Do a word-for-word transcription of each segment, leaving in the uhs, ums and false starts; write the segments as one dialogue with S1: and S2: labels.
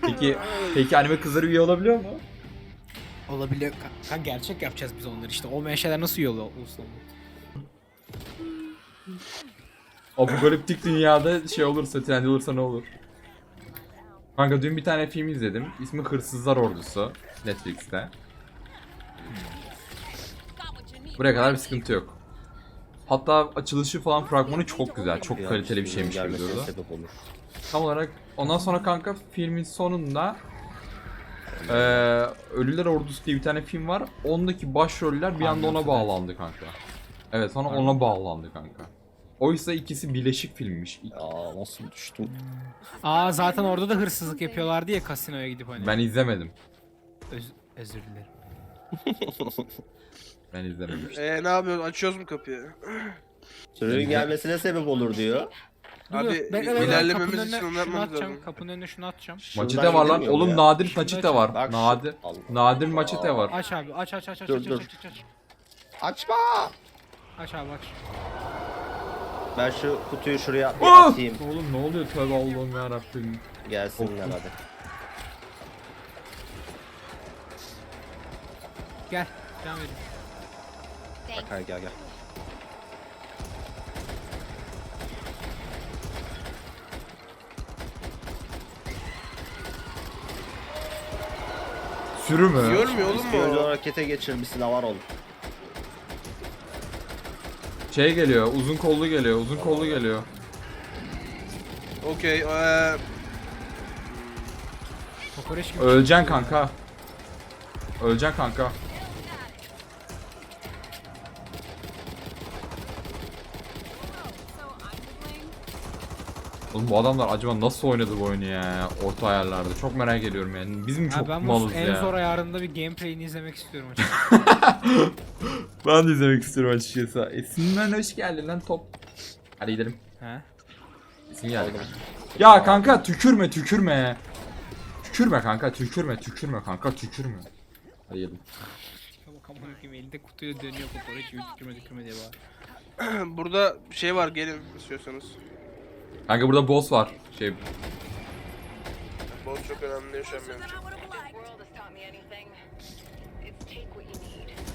S1: Peki peki anime kızları üye olabiliyor mu?
S2: Olabiliyor. Kanka gerçek yapacağız biz onları işte. Olmayan şeyler nasıl yolu olsun?
S1: Apokaliptik dünyada şey olursa, trend olursa ne olur? Kanka dün bir tane film izledim. İsmi Hırsızlar Ordusu. Netflix'te. Buraya kadar bir sıkıntı yok. Hatta açılışı falan fragmanı çok güzel. Çok kaliteli bir şeymiş gibi durdu.
S3: Sebep olur.
S1: Tam olarak ondan sonra kanka filmin sonunda eee Ölüler Ordusu diye bir tane film var. Ondaki başroller bir anda ona bağlandı kanka. Evet sonra ona bağlandı kanka. Oysa ikisi birleşik filmmiş.
S3: Aa nasıl düştüm?
S2: Aa zaten orada da hırsızlık yapıyorlardı ya kasinoya gidip hani.
S1: Ben izlemedim.
S2: Öz- özür dilerim.
S1: Ben izlemedim işte.
S4: Eee ne yapıyorsun? Açıyoruz mu kapıyı?
S3: Sürünün gelmesine sebep olur diyor.
S4: Abi,
S2: Dur, bekle, bekle,
S4: ilerlememiz
S2: kapının
S4: için
S2: önüne
S4: onu
S2: şunu
S4: yapmamız
S2: atacağım,
S4: lazım.
S2: Kapının önüne şunu atacağım.
S1: Maçete var lan.
S3: gidilmiyor
S1: Oğlum
S3: ya.
S1: nadir
S2: Şunu
S1: maçete
S2: aç.
S1: var.
S3: Bak şu-
S1: Nadir.
S3: Allah.
S1: Nadir maçete var.
S2: Aç abi aç aç aç aç
S3: Dur,
S2: aç
S3: dur.
S2: aç aç aç.
S3: Açma!
S2: Aç abi aç.
S3: Ben şu kutuyu şuraya bir
S1: Ah!
S3: atayım.
S1: Oğlum ne oluyor tövbe Allah'ım yarabbim.
S3: Gelsinler hadi.
S2: Gel devam edin.
S3: Bak hadi gel gel.
S1: Sürü mü?
S4: Görmüyor oğlum
S3: Önce
S4: mu?
S3: harekete geçir bir silah var oğlum.
S1: Şey geliyor. Uzun kollu geliyor. Uzun kollu geliyor.
S4: Okey. Eee
S2: Kokoreç gibi.
S1: Öleceksin kanka. Öleceksin kanka. Oğlum bu adamlar acaba nasıl oynadı bu oyunu ya orta ayarlarda çok merak ediyorum yani biz mi
S2: Ha,
S1: çok
S2: ben bu
S1: malız
S2: en
S1: ya.
S2: zor ayarında bir gameplay'ini izlemek istiyorum açıkçası.
S1: Ben de izlemek istiyorum açıkçası. Esin'den hoş geldin lan top. Hadi gidelim.
S2: He?
S1: Esin geldi. Ya kanka tükürme tükürme. Tükürme kanka tükürme tükürme kanka tükürme. Hadi gidelim.
S2: Bak amına koyayım elinde kutuyla dönüyor kokoreç gibi tükürme tükürme diye bağır.
S4: burada şey var, gelin istiyorsanız.
S1: Kanka burada boss var. Şey
S4: Boss çok önemli yaşamıyorum.
S5: This world has taught me anything. It's take what you need.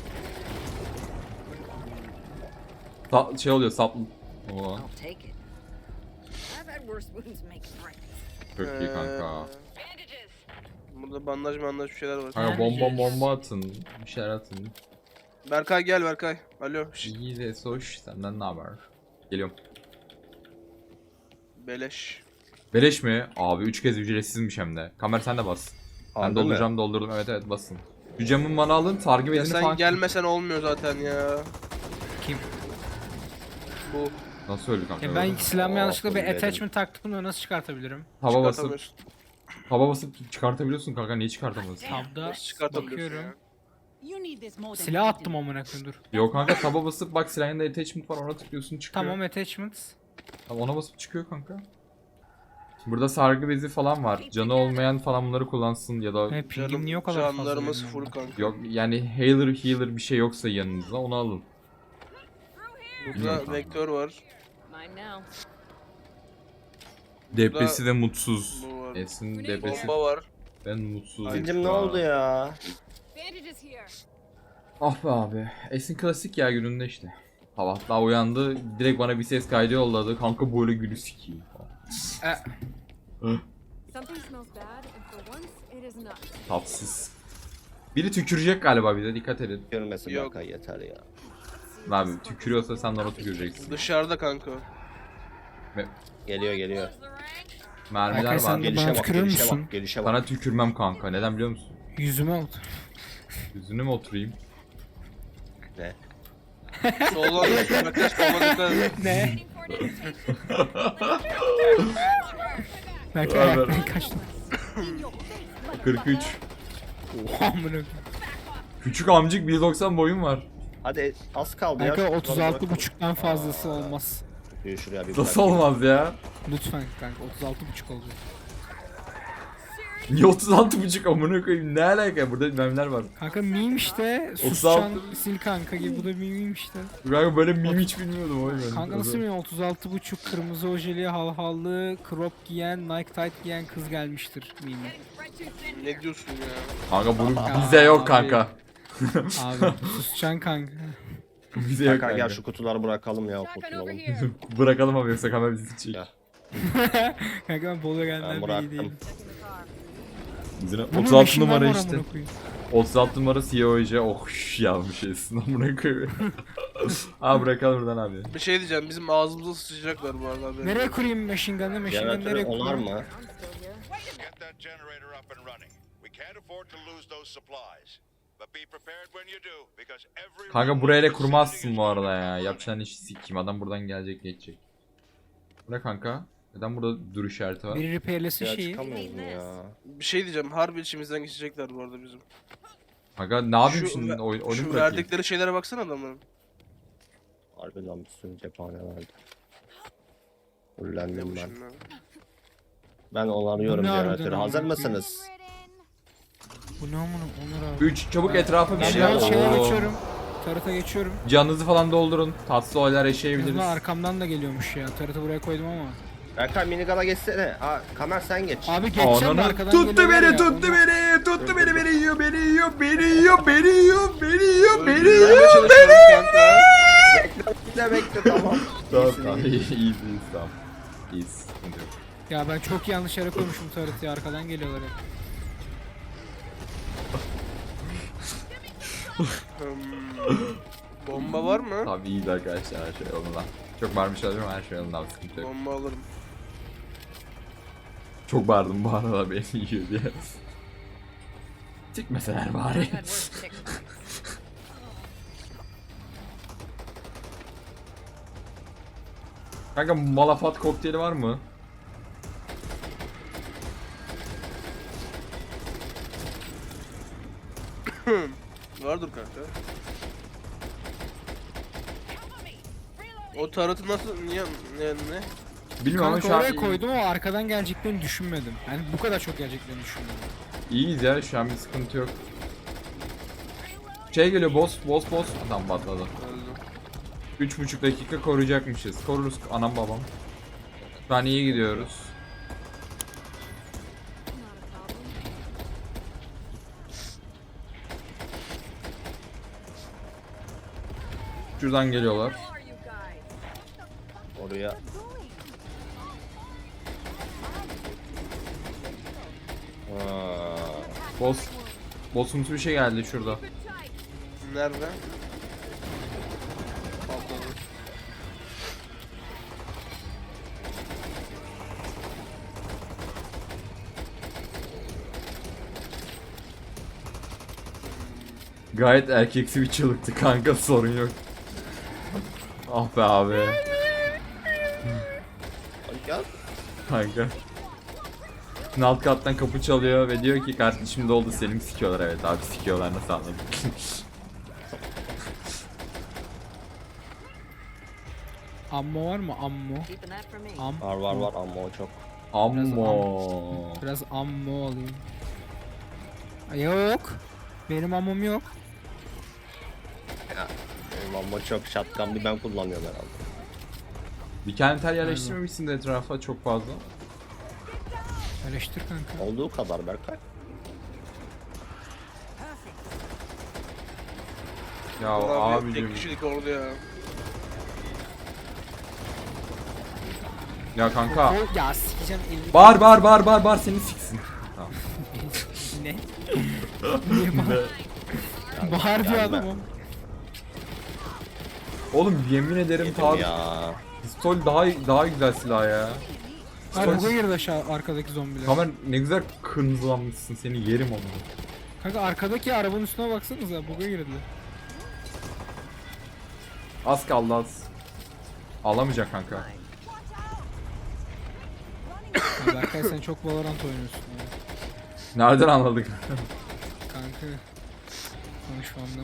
S1: sa- şey oluyor saplı. Oo,
S5: I'll take it. I've had worse wounds make friends.
S1: çok iyi kanka.
S4: Eee,
S5: Bandages.
S4: burada bandaj bandaj bir şeyler var.
S1: Kanka bomba bomba atın. Bir şeyler atın.
S4: Berkay gel Berkay. Alo. Şşt,
S1: İyi de soş senden ne haber? Geliyorum.
S4: beleş.
S1: Beleş mi? Abi üç kez ücretsizmiş hem de. Kamer sen de bas. Ben
S3: Harbi mi?
S1: dolduracağım doldurdum evet evet basın. Şu camın bana alın sargı
S4: Ya
S1: bezini
S4: sen
S1: falan.
S4: gelmesen olmuyor zaten ya.
S2: Kim?
S4: Bu
S1: Nasıl öldü kanka?
S2: Ya ben silahımı
S3: Aa,
S2: yanlışlıkla bir
S3: bunu dedim.
S2: attachment taktım da nasıl çıkartabilirim?
S1: Taba basıp
S4: çıkartamıyorsun.
S1: taba basıp çıkartabiliyorsun kanka niye çıkartamazsın?
S2: Tabda
S4: Nasıl çıkartabiliyorsun
S2: bakıyorum.
S4: ya?
S5: You need this more than
S2: Silah
S5: I
S2: attım
S5: do.
S2: amına koyayım dur.
S1: Yok kanka taba basıp bak silahın da attachment var ona tıklıyorsun çıkıyor.
S2: Tamam attachments.
S1: Tamam ona basıp çıkıyor kanka. Şimdi burada sargı bezi falan var. Canı olmayan falan bunları kullansın ya da
S2: He pingim
S4: Canım,
S2: niye o kadar fazla?
S4: canlarımız
S2: benim
S4: full
S2: ya?
S4: kanka.
S1: yok yani healer healer bir şey yoksa yanınızda onu alın. Bilmiyorum
S4: Burada
S1: kanka.
S4: vektör var.
S5: Mine now.
S1: Depresi ve mutsuz.
S4: Bu var.
S1: Esin depresi
S4: Bomba var.
S1: ben mutsuz.
S3: Zincim ne oldu ya?
S5: Bandages here.
S1: Ah be abi. Esin klasik ya gününde işte. Sabah daha uyandı direkt bana bir ses kaydı yolladı. Kanka böyle gülü sikiyim falan.
S6: Something smells bad, and for once, it is not.
S1: Tatsız. Biri tükürecek galiba bize dikkat edin.
S3: Görmesin
S4: Yok.
S3: Berkay yeter ya.
S1: Abi tükürüyorsa sen de ona tüküreceksin.
S4: Dışarıda kanka.
S3: Geliyor geliyor.
S1: Mermiler
S2: Berkay, sen
S1: var.
S2: de-
S3: Gelişe
S2: bana
S3: bak
S2: tükürür
S3: gelişe
S2: müsün?
S3: bak gelişe bak.
S1: Sana tükürmem kanka. Neden biliyor musun?
S2: Yüzüme oldu.
S1: Yüzüne mi oturayım?
S3: Ne?
S4: Soldan arkadaş bomba dikkat et.
S2: Ne? Berkay
S1: Ver, ver.
S2: ayaktan kaçtı.
S1: kırk üç.
S2: Oha amına koyayım.
S1: Küçük amcık bir doksan boyum var.
S3: Hadi az kaldı ya.
S2: Berkay
S3: Şu
S2: otuz
S3: kutuları
S2: altı
S3: bırak.
S2: buçuktan fazlası olmaz.
S3: Şuraya, şuraya bir
S1: Nasıl
S3: bırak.
S1: olmaz ya?
S2: Lütfen kanka otuz altı buçuk olacak.
S1: Niye otuz altı buçuk amına koyayım? Ne alaka? Burada memler var.
S2: Kanka meme işte.
S1: otuz
S2: Suscan
S1: altı
S2: sil kanka gibi bu da meme işte.
S1: Kanka böyle meme hiç bilmiyordum o yüzden.
S2: Kanka nasıl meme otuz altı buçuk kırmızı ojeli halhallı crop giyen Nike tight giyen kız gelmiştir meme.
S4: Ne diyorsun ya?
S1: Kanka bunu
S2: Ya
S1: bize yok
S2: abi.
S1: kanka.
S2: Abi Suscan kanka.
S1: Bize yok
S3: Kanka
S1: kanka.
S3: gel şu kutuları bırakalım ya
S5: Shotgun over
S3: kurtulalım.
S5: here.
S1: Bırakalım abi yoksa kamera bizi çek.
S3: Ya.
S2: Kanka ben Bolu'ya
S3: Ben
S2: gelenler iyi
S3: bıraktım.
S2: değilim.
S1: Bizine
S2: Bunun
S1: otuz altı
S2: machine gun
S1: numara
S2: var
S1: işte.
S2: amına koyayım.
S1: otuz altı numara C E O J. Oh şş, yazmış esin amına koyayım. Abi bırakalım buradan abi.
S4: Bir şey diyeceğim, bizim ağzımıza sıçacaklar bu arada. haberin
S2: Nereye
S4: yok.
S2: kurayım machine gun'ı? Machine gun
S3: Jeneratörü
S2: nereye
S3: onar
S2: kurayım?
S3: mı?
S6: I'm still here.
S7: Get that generator up and running. We can't afford to lose those supplies. But be prepared when you do, because every
S1: Kanka buraya da kurmazsın bu arada ya. Yapacağın işi sikeyim. Adam buradan gelecek geçecek. Bu ne kanka? Neden burada duruş işareti var?
S2: Biri repairlesin
S3: Ya
S2: şeyi.
S3: çıkamıyoruz mu ya?
S4: Bir şey diyeceğim, harbi içimizden geçecekler bu arada bizim.
S1: Kanka ne yapayım
S4: Şu
S1: şimdi?
S4: ver-
S1: Oyun, oyunu
S4: Şu
S1: bırakayım.
S4: verdikleri şeylere baksana adamların.
S3: Harbi lan bir sürü cephane vardı. Fullendim ben.
S4: Şimdi.
S3: Ben onarıyorum
S2: Bu ne harbiden
S3: jeneratörü.
S2: amına
S3: Hazır
S2: koyayım?
S3: mısınız?
S2: Bu ne amına Onur abi.
S1: üç çabuk etrafa bir
S2: Ben
S1: şey
S2: biraz şeye
S1: Oo.
S2: geçiyorum. Tarıta geçiyorum.
S1: Canınızı falan doldurun. Tatsız olaylar
S2: Kızma
S1: yaşayabiliriz.
S2: arkamdan da geliyormuş ya. Tarıtı buraya koydum ama.
S3: Berkay minigala geçsene. Aa Kamer sen geç.
S2: Abi geçeceğim de
S1: Ananı
S2: arkadan
S1: tuttu
S2: geliyorlar
S1: beni,
S2: ya,
S1: tuttu
S2: onlar-
S1: beni, tuttu beni, beni yiyor, beni yiyor, beni yiyor, beni yiyor, beni yiyor, beni yiyor.
S4: Öldürmeye çalışıyorum kanka.
S3: Bekle bekle tamam.
S1: Tamam,
S3: İyisin,
S1: tamam,
S3: iyi.
S1: iyiyiz, iyiyiz, tamam. İyiyiz, sıkıntı yok.
S2: Ya ben çok yanlış yere koymuşum tarıtı ya. Arkadan geliyorlar ya.
S4: Hmm. Bomba var mı?
S1: Tabii iyiyiz arkadaşlar, her şey yolunda. Çok bağırmış olabilirim ama her şey yolunda, abi, sıkıntı yok.
S4: Bomba alırım.
S1: Çok bağırdım bu arada beni yiyor diye. Çıkmeseler bari.
S5: I've had worse ticks.
S1: Kanka malafat kokteyli var mı?
S4: Vardır kanka. O taratı nasıl niye ne ne?
S1: Bilmiyorum ama
S2: Kanka
S1: şu an
S2: oraya koydum ama arkadan geleceklerini düşünmedim. Yani bu kadar çok geleceklerini düşünmedim.
S1: iyiyiz ya, şu an bir sıkıntı yok. Şey geliyor, boss, boss, boss. Adam patladı.
S4: Öldü.
S1: Üç buçuk dakika koruyacakmışız. Koruruz anam babam. Şu an iyi gidiyoruz.
S6: Not a problem.
S1: Şuradan geliyorlar.
S5: Who are you guys?
S3: Oraya. Aa,
S1: Boss. Bossumsu bir şey geldi şurada.
S4: Nerede? Patladı.
S1: Gayet erkeksi bir çığlıktı kanka, sorun yok. Ah be abi.
S3: gel.
S1: Kanka. Şimdi alt kattan kapı çalıyor ve diyor ki kardeşim doldu, Selim sikiyorlar. Evet abi sikiyorlar, nasıl anladın?
S2: Ammo var mı? Ammo.
S5: Keeping that for me.
S2: Am.
S3: Var var var ama o çok.
S1: Ammo.
S2: Biraz ammo alayım. Ay, Yok. Benim ammom yok.
S3: Benim ama çok shotgun bir ben kullanıyorum herhalde.
S1: Bir kenter yerleştirmemişsin de etrafa çok fazla.
S2: Eleştir kanka.
S3: Olduğu kadar Berkay.
S1: Ya
S4: Abi,
S1: abicim.
S4: tek kişilik ordu ya.
S1: Ya kanka.
S2: O, ya sikeceğim elini.
S1: Bağır bağır bağır bağır bağır, seni siksin. Tamam.
S2: Ne? Niye bağır? Bağır diyor
S3: gelme.
S2: adam o.
S1: Oğlum yemin ederim
S3: Yedim
S1: tabi
S3: ya.
S1: pistol daha daha güzel silah ya.
S2: Hayır buga girdi aşağı arkadaki zombiler.
S1: Kamer ne güzel kırmızılanmışsın, seni yerim onu.
S2: Kanka arkadaki arabanın üstüne baksanıza buga girdi.
S1: Az kaldı az. Alamayacak kanka.
S2: Ya Berkay sen çok Valorant oynuyorsun ya.
S1: Nereden anladık?
S2: Kanka. Konuşmamda.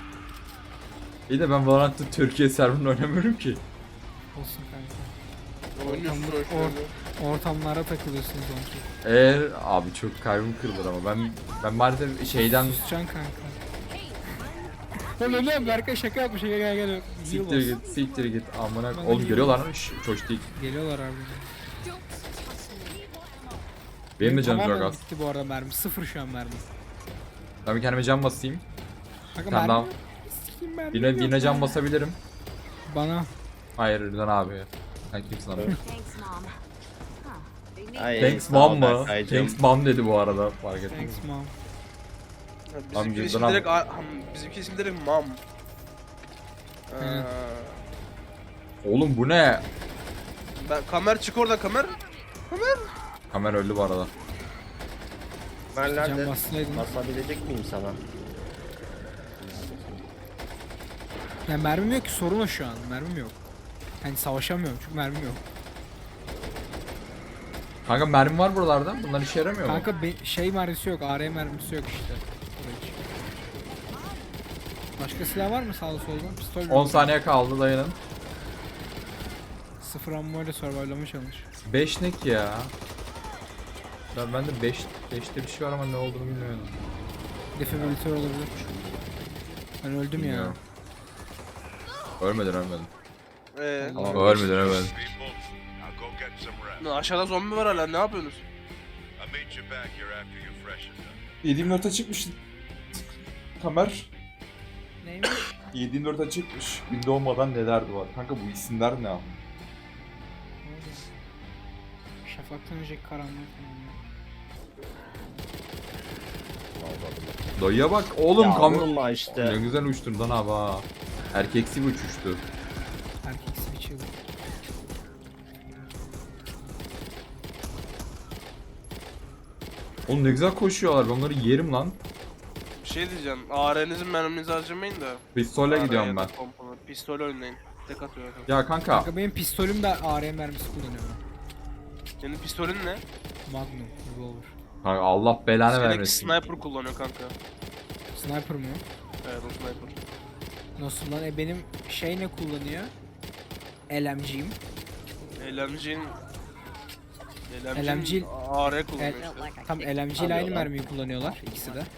S1: İyi de ben Valorant'ta Türkiye serverında oynamıyorum ki.
S2: Olsun kanka.
S4: Oynuyorsun
S2: Ortamda-
S4: şu an.
S2: or- ortamlara takılıyorsunuz onki.
S1: Eğer abi çok kalbim kırılır ama ben ben maalesef şeyden
S2: Susacaksın kanka. Lan öyle Berkay şaka yapmış. Gel gel gel.
S1: siktir git siktir git amına
S2: Ben de
S1: oğlum
S2: geliyorum.
S1: görüyorlar mı? Şş, çocuk değil.
S2: Geliyorlar abi.
S1: Benim de canım çok
S2: tamamen
S1: az.
S2: bitti bu arada mermi. Sıfır şu an mermi.
S1: Ben bir kendime can basayım.
S2: Kanka
S1: Tamam,
S2: mermi
S1: tamam.
S2: yok. Sikeyim mermi
S1: Birine,
S2: yok
S1: birine
S2: ya.
S1: can basabilirim.
S2: Bana.
S1: Hayır Rıdvan abi. Sen kimsin abi?
S6: Thanks, Mom. Huh. They need
S3: Ay,
S1: Thanks
S3: sağ ol
S1: mom mu?
S3: Berkaycığım.
S1: Thanks mom dedi bu arada fark ettim.
S2: Thanks mom.
S4: Bizimki
S1: Amca,
S4: isim
S1: dur
S4: direkt, a- ham, bizimki isim direkt mam. Ee,
S2: Evet.
S1: Oğlum bu ne?
S4: ben kamer çık oradan kamer.
S1: Kamera öldü bu arada.
S3: Ben
S2: Can
S3: nerede?
S2: bassaydın.
S3: Basabilecek miyim sana?
S2: Ya mermim yok ki sorun o şu an. Mermim yok. Hani savaşamıyorum çünkü mermim yok.
S1: Kanka mermi var buralarda. Bunlar işe yaramıyor mu?
S2: Kanka be- şey mermisi yok. A R mermisi yok işte. Hiç. Başka silah var mı sağda solda? Pistol mü?
S1: on saniye kaldı dayanın.
S2: Sıfır ammo ile survival'lama çalış.
S1: beş ne ki ya? Ben bende beş beşte bir şey var ama ne olduğunu bilmiyorum.
S2: Defibrilatör olabilir. Ben öldüm ya.
S1: Bilmiyorum. Ölmedin ölmedin.
S4: Ee,
S1: Tamam ölmedin ölmedin.
S7: People, now go get some rest.
S4: ne, aşağıda zombi var hala, ne yapıyorsunuz?
S7: I'll meet you back here after you freshen up.
S8: yedi yirmi dört'e çıkmış. Kamer.
S2: Neymiş?
S8: yedi yirmi dört'e çıkmış. Gün doğmadan neler var. Kanka bu isimler ne abi?
S2: Şafaktan önceki karanlık.
S1: Dayıya bak oğlum
S3: Ya
S1: kamera.
S3: vurma
S1: Ne
S3: işte.
S1: güzel uçtun lan abi ha. Erkeksi bir uçuştu.
S2: Erkeksi bir çığlık.
S1: Oğlum ne güzel koşuyorlar. Ben onları yerim lan.
S4: Bir şey diyeceğim. A R'nizin merminizi harcamayın da.
S1: Pistolle
S4: A R
S1: gidiyorum
S4: ya da
S1: ben.
S4: pompalı. Pistol oynayın. Tek atıyor.
S1: Ya kanka.
S2: Kanka benim pistolüm de A R mermisi kullanıyor.
S4: Senin pistolün ne?
S2: Magnum, revolver.
S1: Kanka Allah belanı
S4: Seninki
S1: vermesin.
S4: sniper kullanıyor kanka.
S2: Sniper mı?
S4: Evet o sniper.
S2: Nasıl lan? E benim şey ne kullanıyor? L M G'im.
S4: L M G'nin...
S2: L M G
S4: A R kullanıyor
S2: El-
S4: işte.
S2: Tam L M G ile aynı mermiyi kullanıyorlar ikisi de.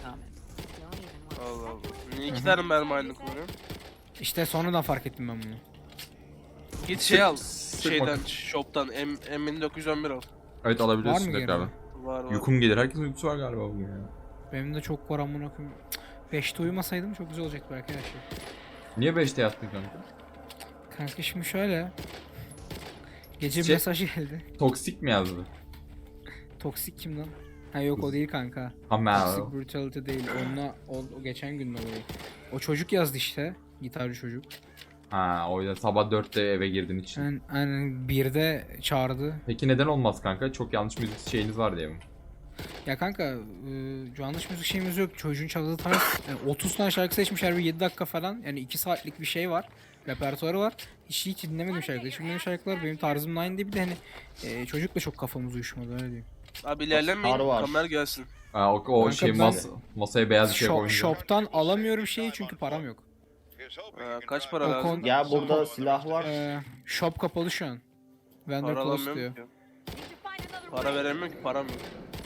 S4: Allah Allah. Niye iki tane mermi aynı kullanıyor?
S2: İşte sonradan fark ettim ben bunu.
S4: Git şey al.
S1: sık
S4: Şeyden,
S1: bakayım.
S4: shop'tan M M dokuz yüz on bir al.
S1: Evet
S2: Var
S1: alabiliyorsun
S2: mı
S1: tekrar.
S2: gene?
S4: Var var.
S1: Uykum gelir. Herkesin uykusu var galiba bugün ya.
S2: Benim de çok var amına koyayım. beşte uyumasaydım çok güzel olacaktı belki her şey.
S1: Niye beşte yattın kanka?
S2: Kanka şimdi şöyle. Gece bir
S1: Şey-
S2: mesaj geldi.
S1: Toksik mi yazdı?
S2: Toksik kim lan? Ha yok o değil kanka.
S1: Ama
S2: Toxic Brutality değil. Onunla o, o geçen gün olayı. O çocuk yazdı işte. Gitarcı çocuk.
S1: Ha o yüzden sabah dörtte eve girdiğin için.
S2: Aynen, aynen birde çağırdı.
S1: Peki neden olmaz kanka? Çok yanlış müzik şeyiniz var diye mi?
S2: Ya kanka e, yanlış müzik şeyimiz yok. Çocuğun çaldığı tarz yani otuz tane şarkı seçmişler bir yedi dakika falan. Yani iki saatlik bir şey var. Repertuarı var. Hiç hiç dinlemedim şarkıları. Hiç dinlemedim şarkılar benim tarzımla aynı değil. Bir de hani e, çocukla çok kafamız uyuşmadı öyle diyeyim.
S4: Abi ilerlemeyin.
S3: Var var.
S4: Kamer gelsin.
S1: Ha, o, o
S2: Kanka
S1: şey
S2: ben-
S1: mas masaya beyaz bir şey
S2: Shop,
S1: koyunca.
S2: shop'tan alamıyorum şeyi çünkü param yok.
S7: Here's hoping
S4: Ee,
S7: you can
S4: kaç
S7: drive
S4: para
S2: O
S4: lazım?
S2: kon-
S3: Ya burada silah var.
S2: E, shop kapalı şu an. Vendor
S4: Para
S2: close diyor.
S4: alamıyorum ki. Para veremiyorum ki, param yok.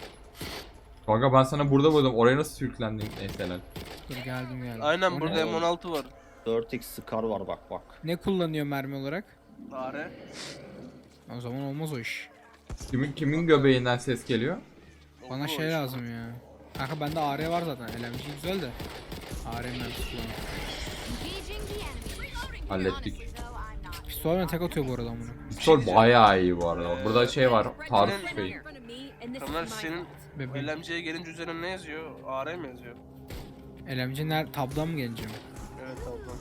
S1: Kanka ben sana burada buldum. Oraya nasıl sürüklendin neyse lan.
S2: Dur geldim geldim.
S4: Aynen
S2: O
S4: burada
S2: ne?
S4: M on altı var.
S3: dört x Scar var bak bak.
S2: Ne kullanıyor mermi olarak?
S4: A R.
S2: O zaman olmaz o iş.
S1: Kimin kimin göbeğinden ses geliyor?
S2: Bana
S4: Olur o
S2: şey
S4: iş.
S2: lazım ya. Kanka bende A R var zaten. L M G güzel de. A R mermisi kullanıyor.
S1: Hallettik.
S2: Pistolle tek atıyor bu arada amına.
S1: Pistol bayağı iyi bu arada. Burada şey var. Taarruz tüfeği.
S4: Kamer senin
S2: Bebeğim.
S4: L M G'ye gelince üzerine ne yazıyor? A R mi yazıyor?
S2: L M G ner tabdan mı geleceğim?
S4: Evet ablam.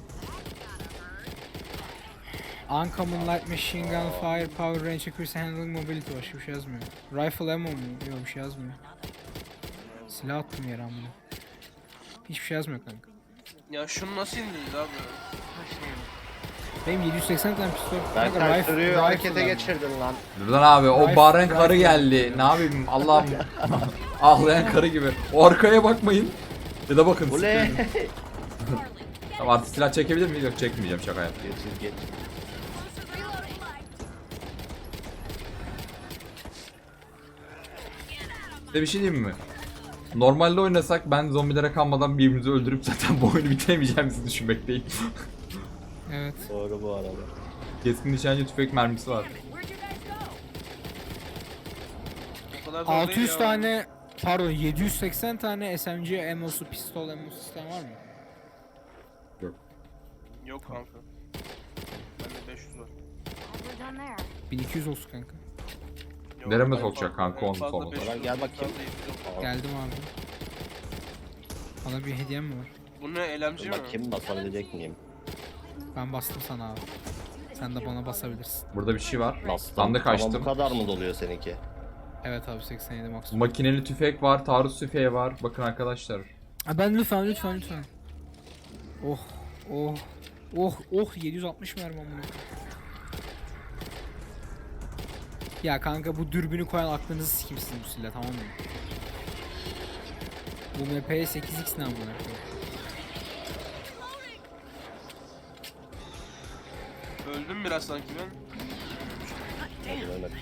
S2: Uncommon light machine gun, fire, power, range, accuracy, handling, mobility başka bir şey yazmıyor. Rifle ammo mu? Yok bir şey yazmıyor. Silah attım yere amına. Hiçbir şey yazmıyor kanka.
S4: Ya şunu nasıl indireceğiz abi?
S2: Benim yedi yüz seksen tane pistol.
S3: Ben
S2: Kanka,
S3: ters
S2: rifle-
S3: sürüyü
S2: rifle
S3: harekete
S2: var.
S3: geçirdin lan.
S1: Rıdvan abi o
S2: Rifle-
S1: Bahreyn karı
S2: rifle-
S1: geldi. Ne yapayım Allah'ım. Ağlayan karı gibi. O arkaya bakmayın. Ya da bakın.
S3: Bu ne?
S1: Tamam artık silah çekebilir miyiz? Yok çekmeyeceğim şaka yaptım.
S3: Geçir geç.
S1: Size bir şey diyeyim mi? Normalde oynasak ben zombilere kalmadan birbirimizi öldürüp zaten bu oyunu bitiremeyeceğimizi düşünmekteyim.
S2: Evet.
S3: Doğru bu arada.
S1: Keskin nişancı tüfek mermisi var.
S4: O kadar zor
S2: altı
S4: değil
S2: yüz
S4: ya.
S2: tane pardon yedi yüz seksen tane S M G ammo'su, pistol ammo'su sistem var mı?
S4: Yok kanka. Bende beş yüz var.
S6: We're done there.
S2: bin iki yüz olsun kanka.
S4: Yok,
S1: Nereme
S4: en
S1: sokacak
S4: fazla-
S1: kanka
S4: en
S1: onu
S4: fazla
S1: sonra?
S4: beş yüz
S3: Lan gel
S4: yok,
S3: bakayım.
S4: fazla yetmiş yok.
S2: Geldim abi. Bana bir hediyem mi var?
S4: Bu ne, elemci mi?
S3: Bakayım basabilecek miyim?
S2: Ben bastım sana abi. Sen de bana basabilirsin.
S1: Burada bir şey var.
S3: Bastım.
S1: Ben de
S3: Ama bu
S1: kaçtım.
S3: kadar mı doluyor seninki?
S2: Evet abi seksen yedi maksimum.
S1: Makineli tüfek var, taarruz tüfeği var. Bakın arkadaşlar.
S2: Ha, ben lütfen lütfen lütfen. Oh oh oh oh yedi yüz altmış mermi amına. Ya kanka bu dürbünü koyan aklınızı sikeyim sizin bu silah, tamam mı? Bu M P sekiz X ne amına koyayım?
S4: Öldüm biraz sanki ben.
S3: Hadi Mehmet.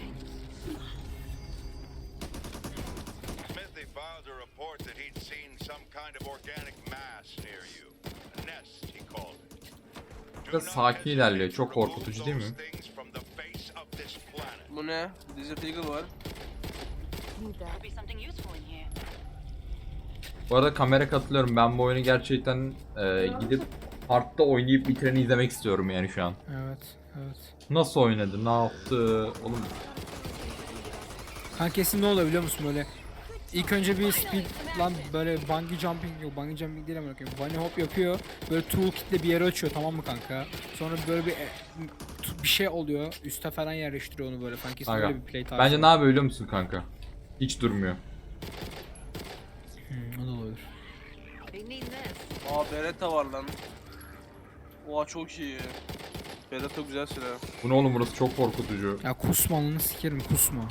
S7: Smithy filed a report that he'd seen some kind of organic mass near you. A nest, he called it. Do
S1: Biraz
S7: not
S1: sakin ilerliyor.
S7: hesitate
S1: Çok
S7: to remove
S1: korkutucu değil mi?
S7: those things from the face of this planet.
S4: Bu ne? Desert Eagle var.
S6: Need that.
S5: Could be something useful in here.
S1: Bu arada kamera katılıyorum. Ben bu oyunu gerçekten e, gidip hardta oynayıp bitireni izlemek istiyorum yani şu an.
S2: Evet evet.
S1: Nasıl oynadı, ne yaptı? Oğlum
S2: Kanka kesin ne oluyor biliyor musun böyle? İlk önce bir speed lan böyle bungee jumping yok bungee jumping değil ama bakayım. Bunny hop yapıyor. Böyle toolkitle bir yere açıyor, tamam mı kanka? Sonra böyle bir e, t- bir şey oluyor. Üste falan yerleştiriyor onu böyle. Sanki
S1: kanka.
S2: böyle bir play tarzı.
S1: Bence ne yapıyor biliyor musun kanka? Hiç durmuyor.
S2: Hmm, o da olabilir.
S5: They need this.
S4: Aa Beretta var lan. Oha çok iyi. Beretta güzel silah.
S1: Bu ne oğlum, burası çok korkutucu.
S2: Ya kusma onu sikerim, kusma.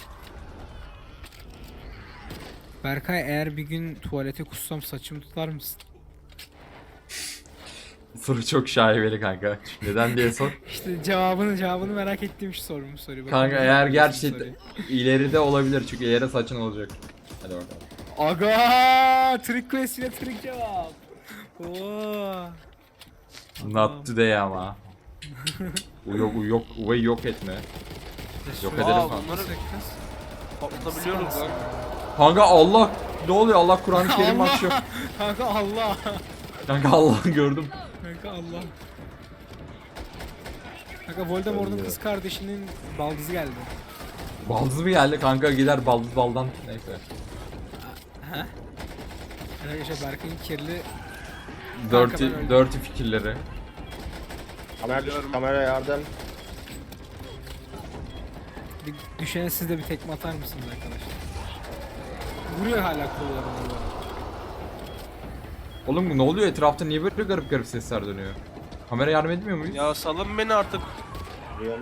S2: Berkay eğer bir gün tuvalete kussam saçımı tutar mısın?
S1: Soru çok şaibeli kanka. Neden diye sor.
S2: İşte cevabını cevabını merak ettiğim şu sorumu soruyor. Bakın
S1: Kanka
S2: ne
S1: eğer
S2: yapıyorsun
S1: gerçekten
S2: soruyu.
S1: ileride olabilir çünkü ileride saçın olacak. Hadi bakalım.
S2: Aga, trick quest yine trick cevap. Oo.
S1: Not today ama. U yok u yok U'yu yok etme. Yok
S2: Aa,
S1: edelim
S4: Aa
S1: kanka.
S4: bunları patlatabiliyoruz lan.
S1: Kanka Allah ne oluyor? Allah Kur'an-ı Kerim
S2: Allah!
S1: açıyor.
S2: Kanka Allah.
S1: Kanka Allah'ı gördüm.
S2: Kanka Allah. Kanka Voldemort'un
S3: Ölmüyor.
S2: kız kardeşinin baldızı geldi.
S1: Baldız mı geldi kanka, gider baldız baldan neyse.
S2: Arkadaşlar Berkay'ın kirli
S1: Dirty,
S2: ben öldüm.
S1: dirty fikirleri.
S3: Kamera, kamera yardım.
S2: bir düşene siz de bir tekme atar mısınız arkadaşlar? Vuruyor hala kollarını bu arada.
S1: Oğlum ne oluyor etrafta, niye böyle garip garip sesler dönüyor? Kamera yardım etmiyor muyuz?
S4: Ya salın beni artık.
S3: Vuruyorum.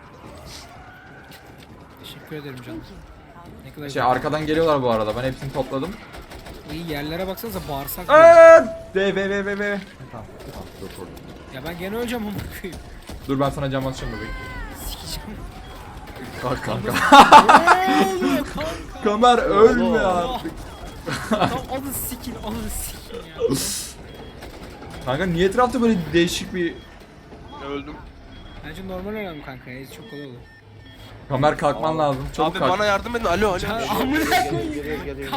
S2: Teşekkür ederim canım. Ne kadar
S1: Şey
S2: güzel.
S1: arkadan geliyorlar bu arada, ben hepsini topladım.
S2: İyi yerlere baksanıza, bağırsak.
S1: Aaaa! De be be be be. Tamam tamam dur dur.
S2: Ya ben gene öleceğim onu koyayım.
S1: Dur ben sana cam atacağım bebeğim.
S2: Sikeceğim.
S1: Kalk kanka.
S2: Ne oluyor kanka?
S1: Kamer ölme artık.
S2: Tam onu sikin, onu sikin ya.
S1: Kanka niye etrafta böyle değişik bir...
S4: Öldüm.
S2: Bence normal önemli kanka. Ya, çok kolay olur.
S1: Kamer kalkman lazım. Çabuk
S4: Abi
S1: kalk.
S4: bana yardım edin. Alo alo.
S2: Ya,
S3: Geliyor,
S2: amına
S3: geliyor,
S2: koyayım.
S3: geliyor, geliyor, geliyor.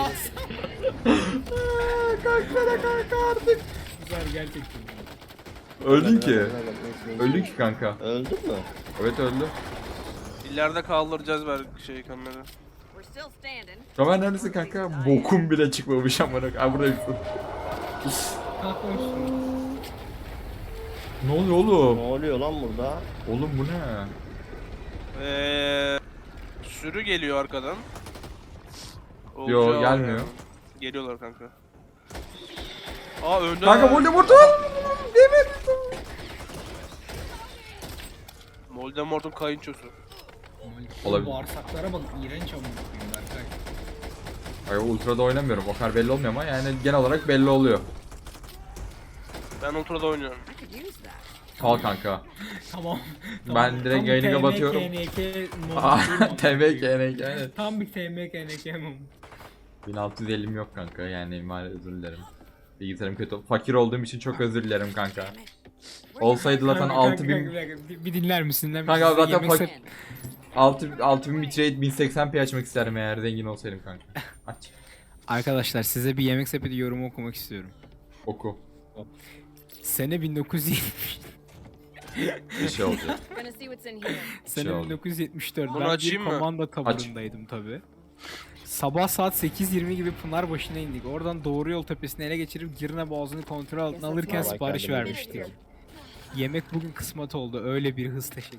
S1: Kalksana kanka artık.
S2: Güzel gerçekten.
S1: Öldün ki.
S3: Mehmet, Mehmet, Mehmet.
S1: Öldün ki kanka.
S3: Öldün mü?
S1: Evet öldü.
S4: İleride kaldıracağız ver şey kamera.
S5: We're still standing.
S1: Kamer neredesin kanka? Bokum bile çıkmamış amına. Ay buradayım.
S2: Kalkmamışsın.
S1: Ne oluyor
S3: Ne
S1: oğlum?
S3: oluyor lan burada?
S1: Oğlum bu ne?
S4: Eee sürü geliyor arkadan.
S1: Yo,
S4: Olacağı
S1: gelmiyor.
S4: yani. Geliyorlar kanka. Aa önde.
S1: Kanka Voldemort'u!
S4: Voldemort'un kayınçosu.
S1: Olabilir.
S2: Bağırsaklara bak, iğrenç amına koyayım Berkay.
S1: Ay ultra'da oynamıyorum. O kadar belli olmuyor ama yani genel olarak belli oluyor.
S4: Ben ultra'da oynuyorum.
S5: I could use that.
S1: Al kanka.
S2: Tamam.
S1: Ben direkt yayını kapatıyorum.
S2: T M K N K
S1: Aa,
S2: moment değil mi?
S1: T M K N K evet.
S2: Tam bir T M K N K moment.
S1: bin altı yüz ellim yok kanka yani maalesef özür dilerim. Bilgisayarım kötü. Fakir olduğum için çok özür dilerim kanka. Olsaydı zaten
S2: Kanka,
S1: altı
S2: kanka,
S1: bin
S2: bir, dakika, bir, bir dinler misin? Dinler misin?
S1: kanka
S2: Size
S1: zaten
S2: yemek
S1: fakir
S2: sep-
S1: altı altı bin bitrate bin seksen p açmak isterim eğer zengin olsaydım kanka. Aç.
S2: Arkadaşlar size bir yemek sepeti yorumu okumak istiyorum.
S1: Oku.
S2: Sene bin dokuz yüz yetmiş.
S1: Bir şey olacak.
S5: Gonna see what's in here.
S2: Sene
S1: Şey oldu.
S2: bin dokuz yüz yetmiş dört.
S4: Bunu
S2: Ben bir
S4: açayım mı?
S2: komanda taburundaydım tabi. Sabah saat sekiz yirmi gibi Pınarbaşı'na indik. Oradan doğru yol tepesini ele geçirip Girne Boğazı'nı kontrol altına alırken
S3: Vallahi
S2: sipariş
S3: kendime
S2: vermiştik.
S3: geçiyorum.
S2: Yemek bugün kısmet oldu. Öyle bir hız teşekkür.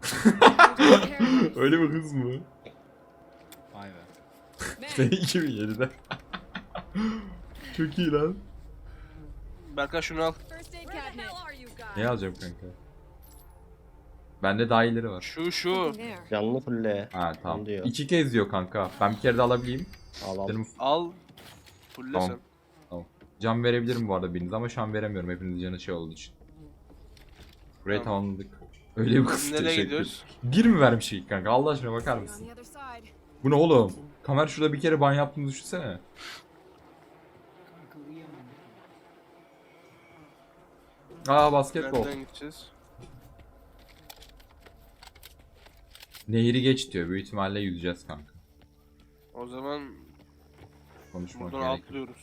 S1: Öyle bir hız mı?
S2: Vay be.
S1: Sene iki bin yedide. Çok iyi lan.
S4: Berkay şunu al.
S5: First aid cabinet.
S1: Ne alacağım kanka? Bende daha iyileri var.
S4: Şu şu.
S5: There.
S3: Canlı fulle.
S1: Ha tamam.
S3: Diyor.
S1: İki kez diyor kanka. Ben bir kere de alabileyim.
S3: Al al.
S1: Benim
S4: Al. Fulle
S1: Tamam.
S4: sen.
S1: can verebilirim bu arada biriniz ama şu an veremiyorum hepinizin canı şey olduğu için. Burayı
S4: Tamam.
S1: tamamladık. Öyle bir kız
S4: Nereye
S1: teşekkür.
S4: gidiyoruz?
S1: Bir mi vermiş ilk kanka? Allah aşkına bakar
S5: On
S1: mısın?
S5: the other side.
S1: Bu ne oğlum? Kamer şurada bir kere ban yaptığını düşünsene. Aa basketbol.
S4: Nereden gideceğiz?
S1: Nehri geç diyor. Büyük ihtimalle yüzeceğiz kanka.
S4: O zaman
S1: Konuşmak
S4: buradan
S1: gerek.
S4: atlıyoruz.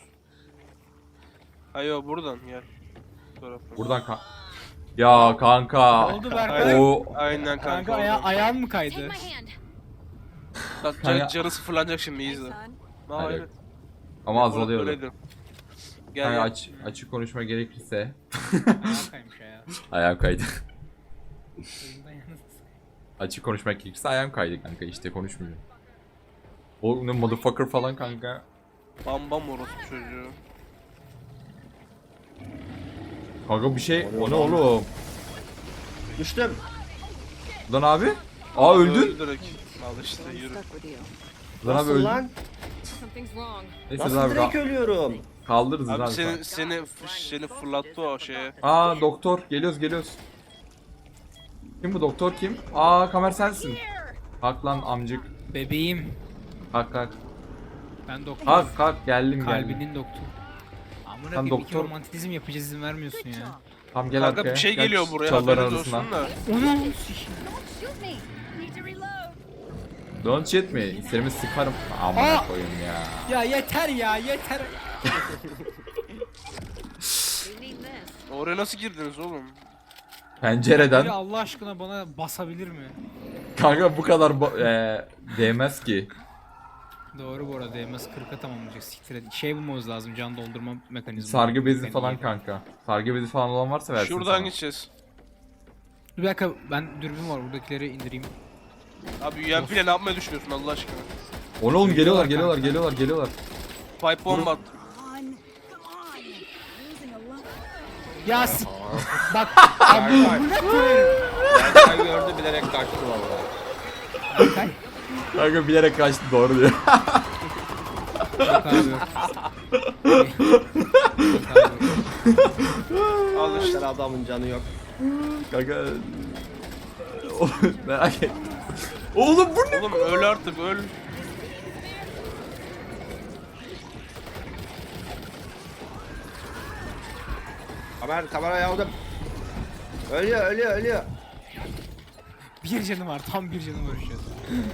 S4: Hayır buradan gel. Bu tarafa.
S1: Buradan ka Ya kanka.
S2: Ne oldu Berkay?
S1: O
S4: Aynen kanka.
S2: Kanka aya
S4: oradan.
S2: ayağın mı
S5: Take
S2: kaydı?
S5: my hand.
S4: Bak
S1: Kanka-
S4: can, canı sıfırlanacak şimdi
S5: Hey,
S4: izle.
S5: son.
S4: Aa,
S1: Hayır.
S4: evet.
S1: ama azalıyordu.
S4: Öyleydi. Gel
S1: Kanka
S4: gel.
S1: aç, açık konuşma gerekirse
S2: Ayağın kaymış ayağı.
S1: ayağım kaydı.
S2: Oyundan yalnız.
S1: Açık konuşmak gerekirse ayağım kaydı kanka işte konuşmuyorum. O ne motherfucker falan kanka.
S4: Bam bam orospu çocuğu.
S1: Kanka bir şey o ne oğlum?
S3: Düştüm.
S1: Lan abi? Aa öldün.
S4: Öldü direkt. Al işte yürü.
S5: Stuck with you.
S1: Lan abi
S3: Nasıl
S1: öldün.
S3: lan?
S5: Something's wrong.
S1: Neyse
S3: Nasıl
S1: lan abi
S3: direkt
S1: ka-
S3: ölüyorum?
S1: kaldırırız
S4: Abi
S1: abi.
S4: seni seni seni fırlattı o şeye.
S1: Aa doktor geliyoruz geliyoruz. Kim bu doktor kim? Aa Kamer sensin. Kalk lan amcık.
S2: Bebeğim.
S1: Kalk kalk.
S2: Ben doktor.
S1: Kalk kalk geldim geldim.
S2: Kalbinin doktoru. Amına
S1: Sen
S2: koyayım iki
S1: doktor-
S2: romantizm yapacağız izin vermiyorsun ya.
S1: Tamam gel
S4: Kanka
S1: arkaya.
S4: bir şey
S1: Gel
S4: geliyor buraya
S1: çalıların
S4: haberiniz
S1: arasından.
S4: olsun da.
S2: Onu
S5: Shoot me. Need to reload.
S1: Don't shit me. İsterimi sıkarım. Amına
S2: Aa!
S1: koyayım ya.
S2: ya yeter ya yeter.
S5: We need this.
S4: Oraya nasıl girdiniz oğlum?
S2: Biri
S1: Pencereden.
S2: Allah aşkına bana basabilir mi?
S1: Kanka bu kadar ba- eee, değmez ki.
S2: Doğru bu arada değmez kırka tamamlayacak siktir et. Şey bulmamız lazım can doldurma mekanizması.
S1: Sargı bezi falan kanka. Sargı bezi falan olan varsa versin
S4: Şuradan
S1: sana.
S4: gideceğiz.
S2: Bir dakika ben dürbün var buradakileri indireyim.
S4: Abi U M P ile ne yapmayı düşünüyorsun Allah aşkına?
S1: O ne oğlum geliyorlar
S2: Geliyorlar
S1: geliyorlar
S2: kanka.
S1: geliyorlar geliyorlar.
S4: Pipe bomb attım.
S2: Ya sik... Bak
S3: Berkay gördü bilerek kaçtı vallahi.
S1: Kanka bilerek kaçtı doğru diyor.
S2: yok abi yok. Yok abi yok.
S4: Al işte.
S3: İşte adamın canı yok.
S1: Kanka. O- Merak ettim. Oğlum bu ne?
S4: Oğlum öl artık öl.
S3: Kamer kamerayı aldım. Ölüyor ölüyor ölüyor.
S2: Bir canı var tam bir canı var şu an.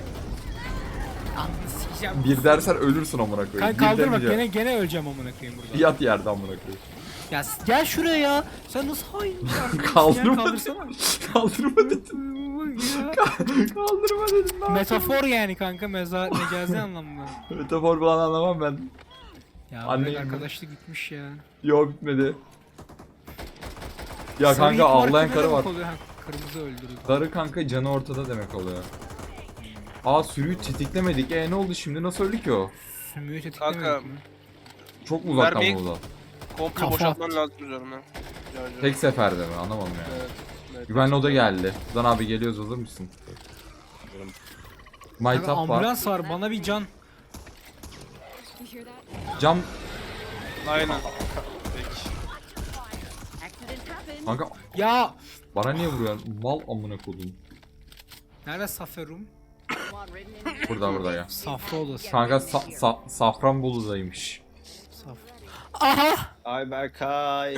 S2: Ananı sikeceğim.
S1: Bir dersen ölürsün amına koyayım.
S2: Kanka
S1: Bir
S2: kaldır bak
S1: demeyeceğim.
S2: gene gene öleceğim amına koyayım burada.
S1: Yat yerde amına koyayım.
S2: Ya s- gel şuraya ya. Sen nasıl hain bir arkadaşsın
S1: Kaldırma
S2: ya,
S1: dedim.
S2: kaldırsana.
S1: Kaldırma dedim.
S2: Ya.
S1: Kaldırma dedim. lan.
S2: Metafor yani kanka meza mecazi anlamda.
S1: Metafor falan anlamam ben.
S2: Ya
S1: Anlayın
S2: bırak
S1: mı?
S2: arkadaşlık gitmiş ya.
S1: Yo bitmedi. Ya
S2: Sarı
S1: kanka
S2: ip
S1: ağlayan
S2: marka ne
S1: karı var.
S2: demek oluyor? Ha, kırmızı öldürüldü.
S1: Karı kanka canı ortada demek oluyor. Aa sürüyü tetiklemedik. E ne oldu şimdi? Nasıl öldü ki o?
S2: Sümüğü
S4: Kanka,
S2: tetiklemedik mi?
S1: Çok mu uzaktan
S4: Vermeyi-
S1: mı uzak?
S4: Komple
S2: Kafa
S4: boşaltman
S2: at.
S4: lazım üzerine. Yani,
S1: Tek seferde mi? Anlamadım yani.
S4: Evet, evet,
S1: Güvenli
S4: tek
S1: oda
S4: sefer.
S1: geldi. Lan abi geliyoruz hazır mısın?
S2: Kanka,
S1: Maytap var.
S2: ambulans var bana bir can.
S5: You hear that?
S1: Cam
S4: Aynen. Peki.
S5: Accident happened.
S1: kanka
S2: Ya
S1: bana niye vuruyorsun? Mal amına kodum.
S2: nerede Saferum?
S5: One.
S1: Burada burada ya.
S2: Safra odası.
S1: Kanka sa- sa- Safranbolu'daymış.
S2: Saf. Aha!
S3: Ay Berkay.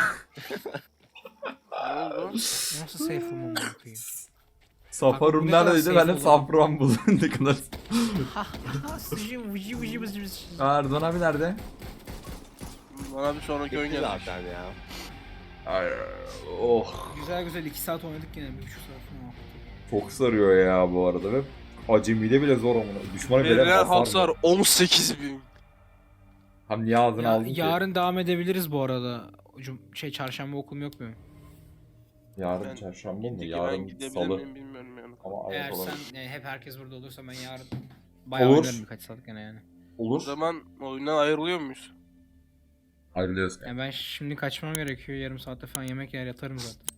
S4: Ne oldu?
S2: Nasıl safe room amına koyayım?
S1: Safarum
S2: ne kadar
S1: neredeydi? Ben
S2: safe
S1: de
S2: oldu.
S1: Safranbolu. Ne kadar...
S2: Sıcı vıcı vıcı vıcı vıcı.
S1: Aa, Erdoğan abi nerede?
S4: Bana bir sonraki oyun
S3: Bitti
S4: gelecek.
S3: zaten ya.
S1: Ay, oh.
S2: Güzel güzel iki saat oynadık yine bir buçuk saat falan.
S8: Çok sarıyor ya bu arada ve acemide bile zor amına. Düşmana bile
S4: Verilen
S8: hasar
S4: hasar
S8: ver.
S4: on sekiz bin.
S8: Hem niye ağzını
S2: Ya,
S8: aldın ki?
S2: yarın devam edebiliriz bu arada. Cum- şey çarşamba okulum yok benim.
S8: Yarın
S4: Ben-
S8: çarşamba mı?
S4: Gittik, ben
S8: Yarın
S4: gidebilir
S8: salı.
S4: miyim bilmiyorum yani.
S8: Ama evet
S2: Eğer
S8: olabilir.
S2: sen yani hep herkes burada olursa ben yarın bayağı
S8: Olur.
S2: oynarım birkaç saat gene yani.
S4: O
S8: Olur.
S4: zaman oyundan ayrılıyor muyuz?
S1: Ayrılıyoruz.
S2: Yani ben şimdi kaçmam gerekiyor. Yarım saatte falan yemek yer yatarım zaten.